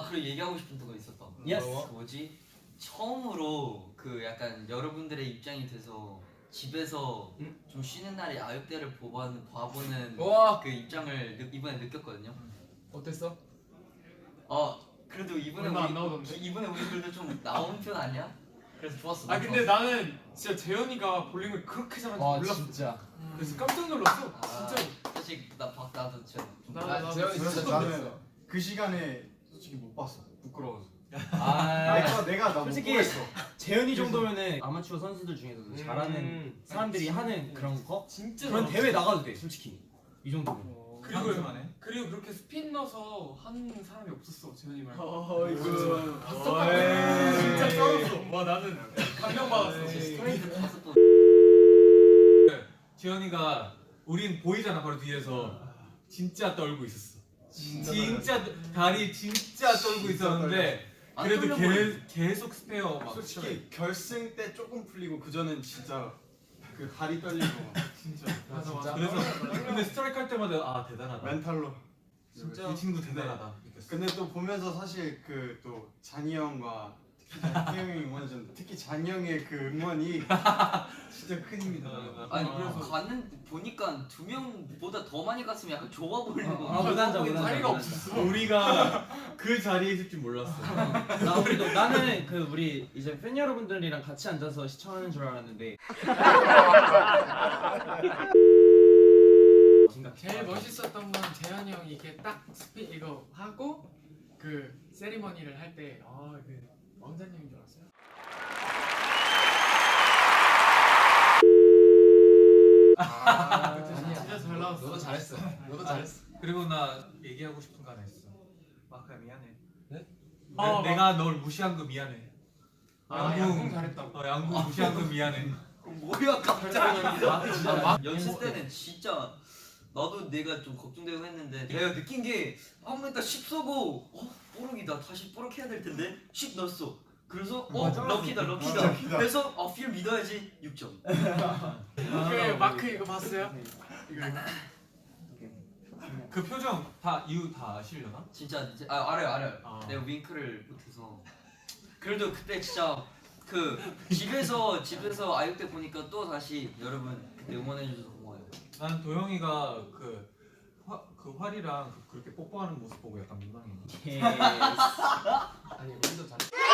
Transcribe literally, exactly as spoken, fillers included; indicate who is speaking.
Speaker 1: 그리고 얘기하고 싶은 거 있었다.
Speaker 2: 예스.
Speaker 1: 그 뭐지? 처음으로 그 약간 여러분들의 입장이 돼서 집에서
Speaker 2: 음?
Speaker 1: 좀 쉬는 날에 아육대를 봐보는, 봐보는
Speaker 3: 우와.
Speaker 1: 그 입장을 느, 이번에 느꼈거든요.
Speaker 3: 어땠어?
Speaker 1: 어 그래도 이번에
Speaker 4: 얼마 안
Speaker 1: 우리,
Speaker 4: 나오던데?
Speaker 1: 이번에 우리 그래도 좀 나온 편 아니야? 그래서 좋았어.
Speaker 4: 아 근데 나는 진짜 재현이가 볼링을 그렇게 잘하는지
Speaker 3: 와
Speaker 4: 몰랐어.
Speaker 3: 진짜.
Speaker 4: 그래서 깜짝 놀랐어.
Speaker 1: 아,
Speaker 4: 진짜로.
Speaker 1: 사실 나 봐- 나도 진짜 좀
Speaker 4: 나-
Speaker 3: 나
Speaker 4: 나도
Speaker 3: 재현이
Speaker 4: 진짜
Speaker 3: 진짜
Speaker 4: 처음
Speaker 3: 나는
Speaker 4: 봤어.
Speaker 5: 그 시간에 솔직히 못 봤어. 부끄러워서.
Speaker 3: 아
Speaker 5: 내가 내가 나못
Speaker 2: 솔직히
Speaker 5: 보겠어.
Speaker 2: 재현이 정도면은 아마추어 선수들 중에서도
Speaker 3: 음.
Speaker 2: 잘하는 사람들이 하는 그런 거
Speaker 4: 진짜
Speaker 2: 그런
Speaker 4: 잘하는데.
Speaker 2: 대회 나가도 돼 솔직히 이 정도면.
Speaker 4: 어, 그리고 그리고 그렇게 스핀 넣어서 하는 사람이 없었어 재현이 말고.
Speaker 5: 어이구.
Speaker 4: 봤어?
Speaker 5: 어이.
Speaker 4: 진짜 쩔었어. 와 나는 감명받았어.
Speaker 1: 스트레이트 가서 또
Speaker 6: 지현이가 우린 보이잖아 바로 뒤에서 진짜 떨고 있었어.
Speaker 5: 진짜
Speaker 6: 진짜 다리 진짜 떨고
Speaker 5: 진짜
Speaker 6: 있었는데
Speaker 1: 안
Speaker 6: 그래도
Speaker 1: 떨려
Speaker 6: 계,
Speaker 1: 보이네.
Speaker 6: 계속 스페어 막
Speaker 5: 솔직히 결승 때 조금 풀리고 그 전엔 진짜 그 다리 떨리고
Speaker 4: 진짜.
Speaker 3: 아,
Speaker 4: 맞아
Speaker 3: 진짜?
Speaker 4: 맞아.
Speaker 6: 그래서 근데 스트라이크 할 때마다 아 대단하다.
Speaker 5: 멘탈로.
Speaker 6: 진짜 이 친구 대단하다. 느꼈어.
Speaker 5: 근데 또 보면서 사실 그 또 잔이 형과 특히 태영이 응원해줬는데 특히 잔이 형의 그 응원이 진짜 큰 힘이 되더라고요.
Speaker 1: 아니
Speaker 4: 아.
Speaker 1: 그래서 갔는 보니까 두 명보다 더 많이 갔으면 약간 좋아 보이는 거.
Speaker 2: 아, 못 앉아, 못 앉아.
Speaker 4: 자리가 없었어.
Speaker 6: 우리가 그 자리에 있을 줄 몰랐어.
Speaker 2: 나 우리도 나는 그 우리 이제 팬 여러분들이랑 같이 앉아서 시청하는 줄 알았는데
Speaker 4: 제일 멋있었던 건 재현이 형이 이렇게 딱 스핀 이거 하고 그 세리머니를 할 때 아 그 왕자님인 줄 알았어요.
Speaker 3: 아,
Speaker 4: 그때 진짜 잘 나왔어.
Speaker 3: 너도 잘했어. 너도
Speaker 6: 아,
Speaker 3: 잘했어.
Speaker 6: 그리고 나 얘기하고 싶은 거 하나 있어. 마크야 미안해.
Speaker 3: 네?
Speaker 6: 내,
Speaker 4: 아,
Speaker 6: 내가 널 무시한 거 미안해.
Speaker 4: 아
Speaker 6: 양궁.
Speaker 4: 양궁 잘했다고.
Speaker 6: 어, 양궁 무시한 거 미안해.
Speaker 1: 뭐야 갑자기.
Speaker 2: 진짜
Speaker 1: 연습 때는 진짜 나도 내가 좀 걱정되고 했는데 내가 느낀 게 아무 일단 십 쏘고 어? 뽀록이다 다시 뽀록 해야 될 텐데 십 넣었어. 그래서 어?
Speaker 2: 맞아.
Speaker 1: 럭키다 럭키다.
Speaker 5: 럭키다.
Speaker 1: 그래서 어, 필 믿어야지 육 점.
Speaker 4: 그 마크 이거 봤어요?
Speaker 6: 그 표정 다 이유 다 아시려나?
Speaker 1: 진짜 이제 아 알아요 알아요.
Speaker 6: 아.
Speaker 1: 내가 윙크를 못해서. 그래도 그때 진짜 그 집에서 집에서 아육대 보니까 또 다시 여러분 그때 응원해 주셔서 고마워요.
Speaker 6: 난 도영이가 그, 화, 그 활이랑 그, 그렇게 뽀뽀하는 모습 보고 약간 민망해.
Speaker 2: 예.
Speaker 3: 아니 우리도 잘.